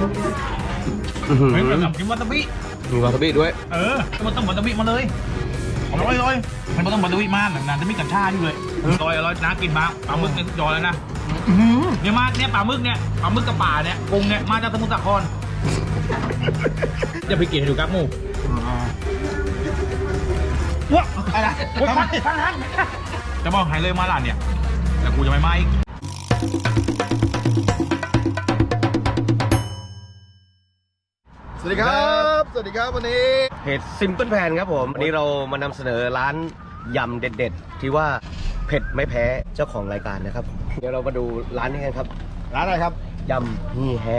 เฮ้ยแบบกินวาซาบิมีวาซาบิด้วยมันต้องวาซาบิมาเลยอร่อยมันต้องวาซาบิมากนานจะมีกัญชาอยู่เลยอร่อยนะกินมาปลาหมึกเนี่ยจอยแล้วนะเนี่ยมาเนี่ยปลาหมึกกับป่าเนี่ยกงเนี่ยมาจากสมุทรสาครจะไปกินให้ดูครับหมูว้าอะไรฟังจะบอกให้เลยมาหลานเนี่ยแต่กูจะไม่มาอีกสวัสดีครับวันนี้เพจ Simple Plan ครับผมวันนี้เรามานำเสนอร้านยำเด็ดๆที่ว่าเผ็ดไม่แพ้เจ้าของรายการนะครับเดี๋ยวเรามาดูร้านนี้กันครับร้านอะไรครับยำฮีแฮ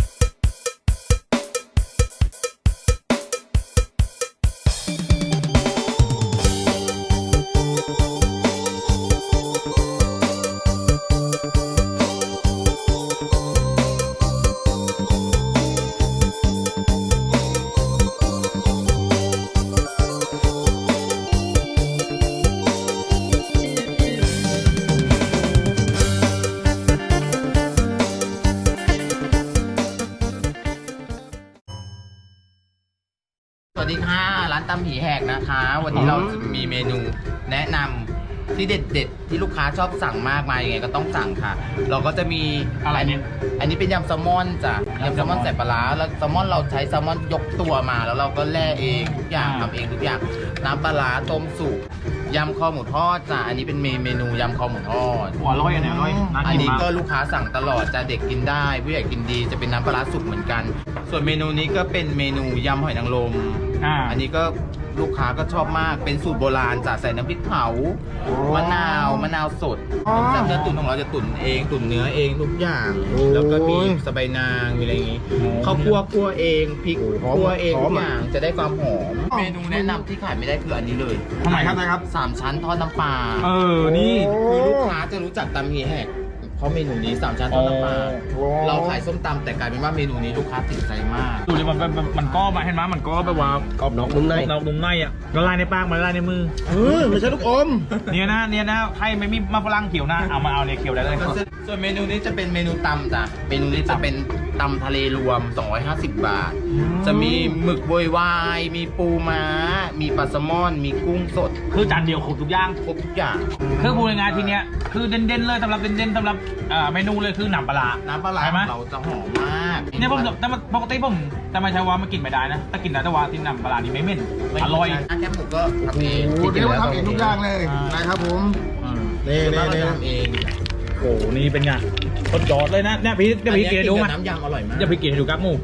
สวัสดีค่ะร้านตำผีแหกนะคะวันนี้เราจะมีเมนูแนะนำที่เด็ดๆที่ลูกค้าชอบสั่งมากมายยังไงก็ต้องสั่งค่ะเราก็จะมีอะไรเนี่ยอันนี้เป็นยำแซลมอนจ้ะยำแซลมอนใส่ปลาร้าแล้วแซลมอนเราใช้แซลมอนยกตัวมาแล้วเราก็แล่เองทุกอย่างทำเองทุกอย่างน้ำปลาร้าต้มสุกยำคอหมูทอดจ้ะอันนี้เป็นเมนูยำคอหมูทอดอร่อยเนี่ยอร่อยอันนี้ก็ลูกค้าสั่งตลอดจะเด็กกินได้ผู้ใหญ่กินดีจะเป็นน้ำปลาร้าสุกเหมือนกันส่วนเมนูนี้ก็เป็นเมนูยำหอยนางรมอันนี้ก็ลูกค้าก็ชอบมากเป็นสูตรโบราณจะใส่น้ำพริกเผามะนาวสดน้ำเนื้อตุ๋นของเราจะตุ๋นเองตุ๋นเนื้อเองทุกอย่างแล้วก็มีสะใบนางมีอะไรอย่างงี้ข้าวคั่วเองพริกคั่วเองทุกอย่างจะได้ความหอมเมนูแนะนำที่ขายไม่ได้คืออันนี้เลยทำไมครับ 3 ชั้นทอดน้ำปลานี่คือลูกค้าจะรู้จักตำฮีแหกเพราะเมนูนี้3 ชั้นทอดน้ำปลาเราขายส้มตำแต่กลายเป็นว่าเมนูนี้ลูกค้าติดใจมากดูเลยมันก็มาเห็นไหมมันก็แบบว่ากรอบนอกนุ่มในอ่ะละลายในปากละลายในมือไม่ใช่ลูกอมเนี่ยนะใครไม่มีมาฝรั่งเขียวนะเอาเนี่ยเขียวได้เลยส่วนเมนูนี้จะเป็นเมนูตำจ้ะเมนูนี้จะเป็นตำทะเลรวม250 บาทจะมีหมึกโวยวายมีปูม้ามีปลาแซลมอนมีกุ้งสดคือจานเดียวครบทุกอย่างคือพูดง่ายๆทีเนี้ยคือเด่นๆเลยสำหรับเมนูเลยคือน้ำปลาใช่ไหมเราจะหอมมากเนี่ยผมแต่ปกติผมแต่ไม่ใช่ว่ามากินไม่ได้นะถ้ากินได้แต่ว่าที่น้ำปลานี่ไม่เหม็นอร่อยแค่หมูก็ทำเองเดี๋ยวทำเองทุกอย่างเลยนะครับผมนี่ทำเองโอ้นี่เป็นไงต้นยอดเลยนะเนี่ยพี่จะพี่กินดูมั้ยน้ำยำอร่อยมากจะพี่กินให้ดูครับหมู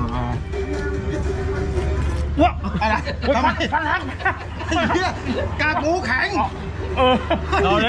ว้าอะไรฟันหักกากหมูแข็งรอเลย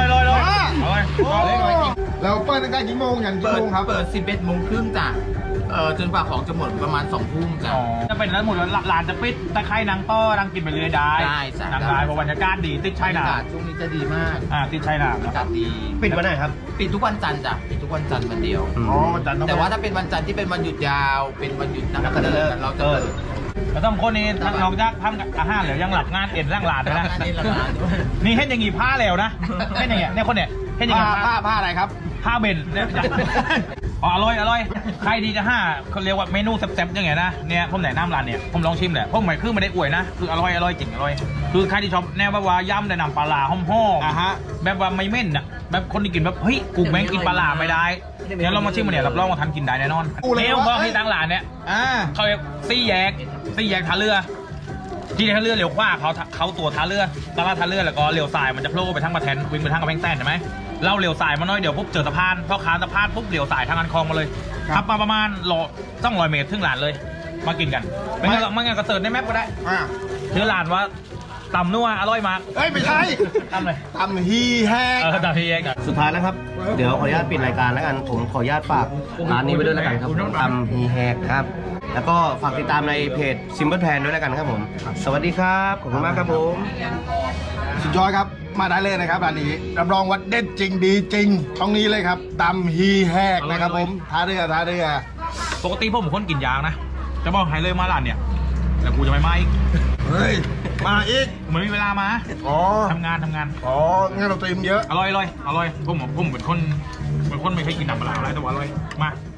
เราเปิดตั้งแต่กี่โมงอย่างกี่โมงครับเปิด 11 โมงครึ่งจ้ะจนกว่าของจะหมดประมาณ 2 ทุ่มจ้ะจะเป็นร้านหมดร้านจะปิดตะไคร่นางต้อนางกินไปเรื่อยได้นางได้เพราะบรรยากาศดีติดชายหาดช่วงนี้จะดีมากติดชายหาดบรรยากาศดีปิดวันไหนครับปิดทุกวันจันทร์จ้ะปิดทุกวันจันทร์วันเดียวแต่ว่าถ้าเป็นวันจันทร์ที่เป็นวันหยุดยาวเป็นวันหยุดนักขัตฤกษ์เราจะเปิดแล้วต้องคนนี้นอกจากทำอาหารแล้วยังหลับงานเอ็นร่างหลานด้วยนะนี่เห็นอย่างงี้ผ้าแล้วนะเห็นอย่างเงี้ยเนี่ยคนเนี่ยเห็นอย่างงี้ผ้าอะไรครับผ้าเบนเนี่ยอร่อยใครดีจะเขาเรียกว่าเมนูแซ่บๆยังไงนะเนี่ยผมแนะนำร้านเนี่ยผมลองชิมแหละผมไม่ได้อวยนะคืออร่อยจริงอร่อยคือใครที่ชอบแนวแบบว่าย่ำแต่น้ำปลาหอมแบบว่าไม่เม่นอะแบบคนที่กินแบบเฮ้ยกูแม่งกินปลาไม่ได้เนี่ยเรามาชิมมันเนี่ยรับรองว่าทันกินได้แน่นอนเนี่ยบอกให้ตั้งร้านเนี่ยเขาเรียกซี่แยกท่าเรือที่ท่าเรือเลี้ยวขวาเขาตัวท่าเรือตลาดท่าเรือแล้วก็เลี้ยวซ้ายมันจะโผล่ไปทางมาแทนวิ่งไปทางกระแพงแสนใช่ไหมเราเลี้ยวซ้ายมาหน่อยเดี๋ยวปุ๊บเจอสะพานพอขาสะพานปุ๊บเลี้ยวซ้ายทางอันคลองมาเลยขับมาประมาณ200 เมตรถึงร้านเลยมากินกันไม่งั้นก็เสิร์ชในแมปก็ได้ชื่อร้านว่าตำนัวอร่อยมากไม่ใช่ตำเลยตำฮีแฮกตำฮีแฮกสุดท้ายแล้วครับเดี๋ยวขออนุญาตปิดรายการแล้วกันผมขออนุญาตฝากร้านนี้ไว้ด้วยแล้วกันครับตำฮีแฮกครับแล้วก็ฝากติดตามในเพจ Simple Plan ด้วยแล้วกันครับผมสวัสดีครับขอบคุณมากครับผมสุดยอดครับมาได้เลยนะครับร้านนี้รับรองว่าเด็ดจริงดีจริงตรงนี้เลยครับตำฮีแฮกนะครับผมท่าเรือปกติผมคนกินยางนะจะบอกให้เลยมาร้านเนี่ยแต่กูจะไม่มาอีกเฮ้ยมาอีกเหมือนมีเวลามาทำงานงานเราเตรียมเยอะอร่อยผมเป็นคนไม่เคยกินน้ำปลาอะไรแต่ว่าอร่อยมา